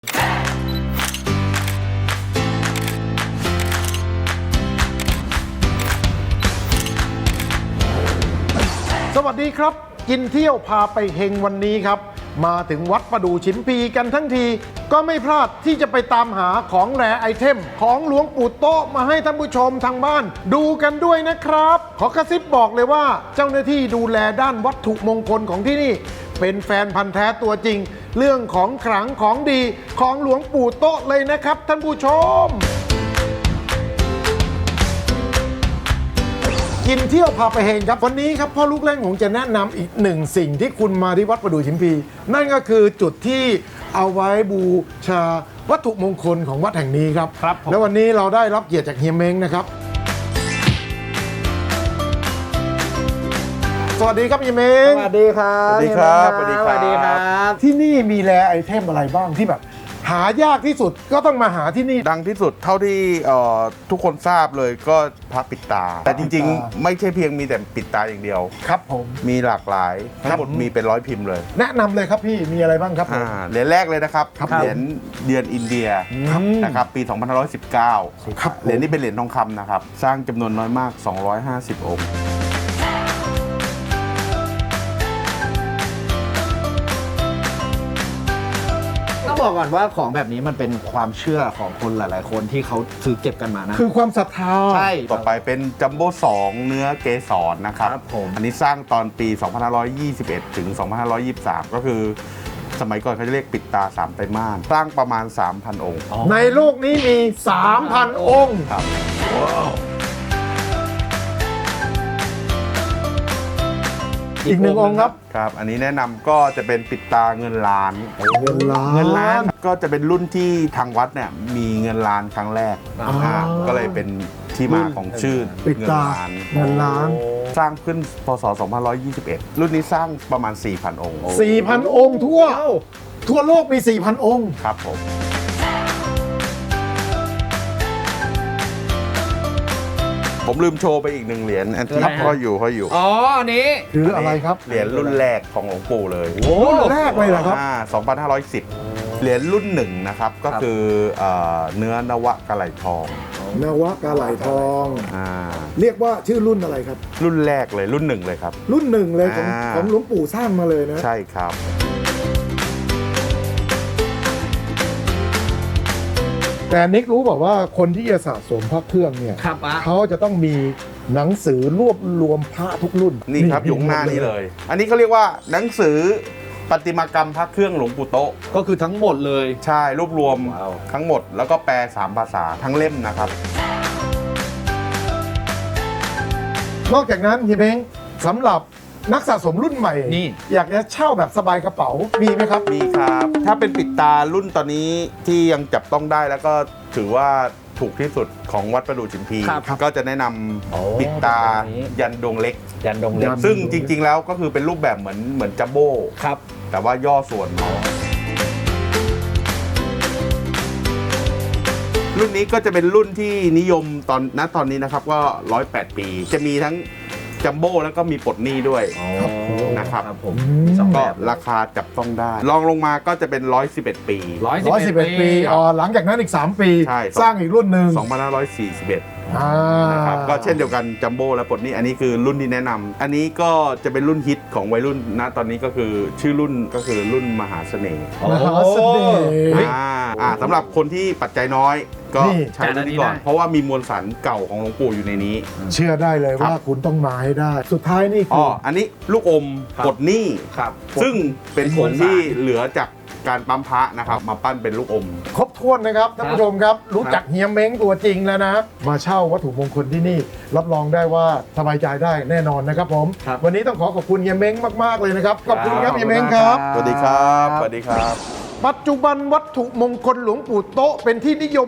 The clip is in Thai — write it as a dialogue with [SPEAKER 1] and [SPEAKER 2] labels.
[SPEAKER 1] สวัสดีครับกินเที่ยวพาไปเฮงวันนี้ครับมาถึงวัดประดู่ชิมพีกันทั้งทีก็ไม่พลาดที่จะไปตามหาของแรไอเทมของหลวงปู่โต๊ะมาให้ท่านผู้ชมทางบ้านดูกันด้วยนะครับขอกระซิบบอกเลยว่าเจ้าหน้าที่ดูแลด้านวัตถุมงคลของที่นี่เป็นแฟนพันธ์แท้ตัวจริงเรื่องของขลังของดีของหลวงปู่โต๊ะเลยนะครับท่านผู้ชมกินเที่ยวพาไปเฮงครับวันนี้ครับพ่อลูกเล่นผมจะแนะนำอีกหนึ่งสิ่งที่คุณมาที่วัดประดู่ชิมพีนั่นก็คือจุดที่เอาไว้บูชาวัตถุมงคลของวัดแห่งนี้ครับแล้ววันนี้เราได้รับเกียรติจากเฮียเม้งนะครับสวัสดีครับเฮียเม้ง
[SPEAKER 2] สวัสดีครับ
[SPEAKER 3] สวัสดีครับ
[SPEAKER 2] สวัสดีครับ
[SPEAKER 1] ที่นี่มีแรไอเทมอะไรบ้างที่แบบหายากที่สุดก็ต้องมาหาที่นี่
[SPEAKER 3] ดังที่สุดเท่าที่ทุกคนทราบเลยก็พระปิดตา แต่จริงๆ ไม่ใช่เพียงมีแต่ปิดตาอย่างเดียว
[SPEAKER 1] ครับผม
[SPEAKER 3] มีหลากหลายทั้งหมดมีเป็น100 พิมพ์เลย
[SPEAKER 1] แนะนำเลยครับพี่มีอะไรบ้างครับผม
[SPEAKER 3] เหรียญแรกเลยนะครับ
[SPEAKER 1] ครับ
[SPEAKER 3] เหรียญเดือนอินเดีย
[SPEAKER 1] ครับ
[SPEAKER 3] นะครับปี 2519
[SPEAKER 1] ครับ
[SPEAKER 3] เหรียญนี้เป็นเหรียญทองคำนะครับสร้างจำนวนน้อยมาก 250 องค์
[SPEAKER 2] ต้องบอกก่อนว่าของแบบนี้มันเป็นความเชื่อของคนหลายๆ คนที่เขาซื้อเก็บกันมานะ
[SPEAKER 1] คือความศรัทธา
[SPEAKER 2] ใช่
[SPEAKER 3] ต่อไปเป็นจัมโบ้2เนื้อเกสรนะครับ
[SPEAKER 2] ครับผม
[SPEAKER 3] อันนี้สร้างตอนปี 2521 ถึง 2523 ก็คือสมัยก่อนเขาจะเรียกปิดตา 3 ไตรมาสสร้างประมาณ 3,000 องค์
[SPEAKER 1] ในโลกนี้มี 3,000 องค์
[SPEAKER 3] ครับ
[SPEAKER 1] อีกหนึ่งองค์ครับ
[SPEAKER 3] ครับ อันนี้แนะนำก็จะเป็นปิดตาเงินล้าน
[SPEAKER 1] เงินล้าน
[SPEAKER 2] เงินล้าน
[SPEAKER 3] ก็จะเป็นรุ่นที่ทางวัดเนี่ยมีเงินล้านครั้งแรก
[SPEAKER 1] อ๋อ
[SPEAKER 3] ก็เลยเป็นที่มาของชื่อ
[SPEAKER 1] ปิด
[SPEAKER 3] เงิน
[SPEAKER 1] ตา
[SPEAKER 3] ล้าน
[SPEAKER 1] เงินล้าน
[SPEAKER 3] สร้างขึ้นพศ 2521 รุ่นนี้สร้างประมาณ 4,000 องค์
[SPEAKER 1] 4,000 องค์ทั่วโลกมี 4,000 องค์
[SPEAKER 3] ครับผมผมลืมโชว์ไปอีกหนึ่งเหรียญอันที่
[SPEAKER 2] อะไรฮะ
[SPEAKER 3] ห้อยอยู่
[SPEAKER 2] อ๋ออันนี้
[SPEAKER 1] คืออะไรครับ
[SPEAKER 3] เหรียญรุ่นแรกของหลวงปู่เลย
[SPEAKER 1] รุ่นแรกเลยเหรอครับ
[SPEAKER 3] 2510 เหรียญรุ่นหนึ่งนะครับ ก็คือเนื้อนวะกะไหลทอง
[SPEAKER 1] นวะกาไหลทอง
[SPEAKER 3] อ่า
[SPEAKER 1] เรียกว่าชื่อรุ่นอะไรครับ
[SPEAKER 3] รุ่นแรกเลยรุ่นหนึ่งเลยครับ
[SPEAKER 1] รุ่นหนึ่งเลยของ
[SPEAKER 3] อ่า
[SPEAKER 1] ของหลวงปู่สร้างมาเลยนะ
[SPEAKER 3] ใช่ครับ
[SPEAKER 1] แต่นิกรู้บอกว่าคนที่จะสะสมพระเครื่องเนี่ย
[SPEAKER 2] ครับอ่ะ
[SPEAKER 1] เขาจะต้องมีหนังสือรวบรวมพระทุกรุ่น
[SPEAKER 3] นี่ครับอยู่ข้างหน้านี่เลย อันนี้เขาเรียกว่าหนังสือปฏิมากรรมพระเครื่องหลวงปู่โต๊ะ
[SPEAKER 2] ก็คือทั้งหมดเลย
[SPEAKER 3] ใช่รวบรวม
[SPEAKER 2] ว้าว
[SPEAKER 3] ทั้งหมดแล้วก็แปล3 ภาษาทั้งเล่มนะครับ
[SPEAKER 1] นอกจากนั้นเฮียเม้งสำหรับนักสะสมรุ่นใหม่
[SPEAKER 2] นี่
[SPEAKER 1] อยากจะเช่าแบบสบายกระเป๋ามีไหมครับ
[SPEAKER 3] มีครับ ถ้าเป็นปิดตารุ่นตอนนี้ที่ยังจับต้องได้แล้วก็ถือว่าถูกที่สุดของวัดประดู่ชิมพี
[SPEAKER 2] ครับ
[SPEAKER 3] ก็จะแนะน
[SPEAKER 2] โอ้
[SPEAKER 3] ำปิดตา
[SPEAKER 2] แบบนี้
[SPEAKER 3] ยันดวงเล็ก
[SPEAKER 2] ยันดงเล็ก
[SPEAKER 3] ซึ่งจริงๆแล้วก็คือเป็นรูปแบบเหมือนจัมโบ้
[SPEAKER 2] ครับ
[SPEAKER 3] แต่ว่าย่อส่วนน้อยรุ่นนี้ก็จะเป็นรุ่นที่นิยมตอนนี้นะครับก็108 ปี จะมีทั้งจัมโบ้แล้วก็มีปลดหนี้ด้วย นะครับ
[SPEAKER 2] ผมมีสองแบ
[SPEAKER 3] ก็
[SPEAKER 2] บ
[SPEAKER 3] ราคาจับต้องได้ลองลงมาก็จะเป็น111 ปี
[SPEAKER 1] 111 ปีหลังจากนั้นอีก 3 ปี
[SPEAKER 3] ใช่
[SPEAKER 1] สร้างอีกรุ่นหนึ่ง
[SPEAKER 3] 2541
[SPEAKER 1] อ่า
[SPEAKER 3] นะครับก็เช่นเดียวกันจัมโบ้และปลดหนี้อันนี้คือรุ่นที่แนะนำอันนี้ก็จะเป็นรุ่นฮิตของวัยรุ่นณตอนนี้ก็คือชื่อรุ่นก็คือรุ่นมหาเสน่ห์
[SPEAKER 1] มหาเสน่ห์
[SPEAKER 3] สำหรับคนที่ปัจจัยน้อยก็
[SPEAKER 1] นี่
[SPEAKER 3] ใช้รุ่นนี้ก่อน เพราะว่ามีมวลสารเก่าของหลวงปู่อยู่ในนี้
[SPEAKER 1] เชื่อได้เลย
[SPEAKER 3] ครับ
[SPEAKER 1] ว่าคุณต้องมาให้ได้ สุดท้ายนี่คื
[SPEAKER 3] อ๋ออันนี้ลูกอม
[SPEAKER 2] ครับ
[SPEAKER 3] ปลดหนี้
[SPEAKER 2] ครับ
[SPEAKER 3] ซึ่งเป็นผ
[SPEAKER 2] มว
[SPEAKER 3] ง
[SPEAKER 2] ลสาร
[SPEAKER 3] ที่เหลือจากการปั๊มพระนะครับมาปั้นเป็นลูกอม
[SPEAKER 1] ครบถ้วนนะครับท่านผู้ชมครับ รู้จักเฮียเม้งตัวจริงแล้วนะ มาเช่าวัตถุมงคลที่นี่ รับรองได้ว่าสบายใจได้แน่นอนนะครับผม
[SPEAKER 2] ครับ
[SPEAKER 1] วันนี้ต้องขอบคุณเฮียเม้งมากๆเลยนะครับขอบคุณครับเฮียเม้งครับ
[SPEAKER 3] สวัสดีครับ สวัสดีครับ
[SPEAKER 1] ปัจจุบันวัตถุมงคลหลวงปู่โต๊ะเป็นที่นิยม